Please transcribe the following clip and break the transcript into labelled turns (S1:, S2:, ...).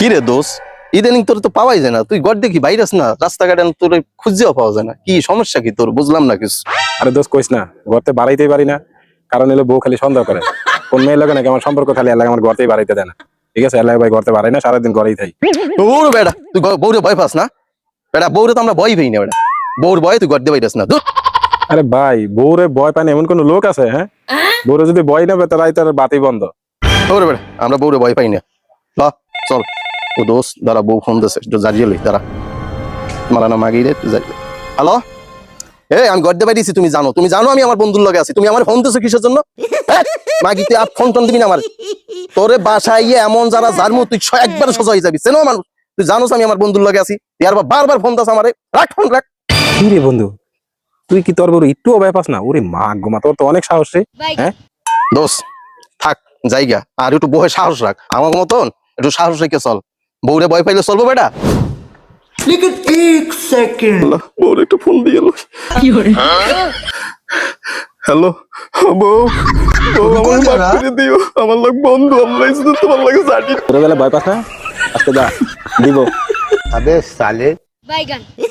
S1: কি রে দোষ ইদানিং তোর তো পাওয়াই যায় না, তুই গড় দেখি ভাইরাস না, রাস্তাঘাটে তোর খুঁজেও পাওয়া যায় না, কি সমস্যা কি তোর? বুঝলাম না কিছু।
S2: আরে দোষ কইস না, ঘরতে বাড়াইতেই পারি না, কারণ এলো বউ খালি সন্দেহ করে। কোন মেয়ের লাগে নাকি আমার সম্পর্ক খালি এলাকা আমার ঘরতেই বাড়াইতে দেয় না। ঠিক আছে, এলাকা ভাই ঘরতে বাড়াই না, সারাদিন ঘরেই থাই।
S1: ওর বেড়া তুই বউরে ভয় পাস না? বেড়া বউরে তো আমরা ভয় পাই না, বেড়া বউর ভয় তুই গড় দিয়ে বাইরাস না।
S2: আরে ভাই বউরে ভয় পায় না এমন কোন লোক আছে? হ্যাঁ, বউরে যদি ভয় না পেত তাই তার বাতি বন্ধ।
S1: ওরে বেড়া আমরা বউরে ভয় পাই না। ল চল। ও দোষ দাঁড়া, বউ ফোন দিচ্ছে, একটু জারিয়ে লই দাঁড়া। মারানা মাগি রে, একটু জারিয়ে। হ্যালো, আমি গড় দিয়ে বাইরেছি, তুমি জানো আমি আমার বন্ধুর লগে আছি, তুমি আমার ফোন দিছো কিসের জন্য? মাগি তুই আর ফোন টোন দিবি না আমার। তোরে বাসায় এমন যারা জানমু তুই একবারে সোজা হয়ে যাবি, চেনো মানুষ। তুই জানোস আমি আমার বন্ধুর লগে আছি, তুই আর বারবার ফোন দাস আমারে। রাখ ফোন রাখ।
S2: কি রে বন্ধু, তুই কি তোর বড় একটু ভয় পাস না? ওরে মা গোমা, তোর তো অনেক সাহস রে। হ্যাঁ
S1: দোষ থাক জায়গা, আর একটু বহে সাহস রাখ, আমার মতন একটু সাহস রেখে চল। বউরে ভয় পাইলে চলবো বেটা?
S3: लेकिन एक सेकंड
S1: বউরে একটু ফোন দিয়ে এলো। হ্যালো বউ, আমার মাফ করে দিও, আমার লোক বন্ধু আমরা তোমার লাগে জানি।
S2: ছোটবেলা ভয় পাস না? আজকে যা দিব।
S3: अबे साले
S4: Baigan.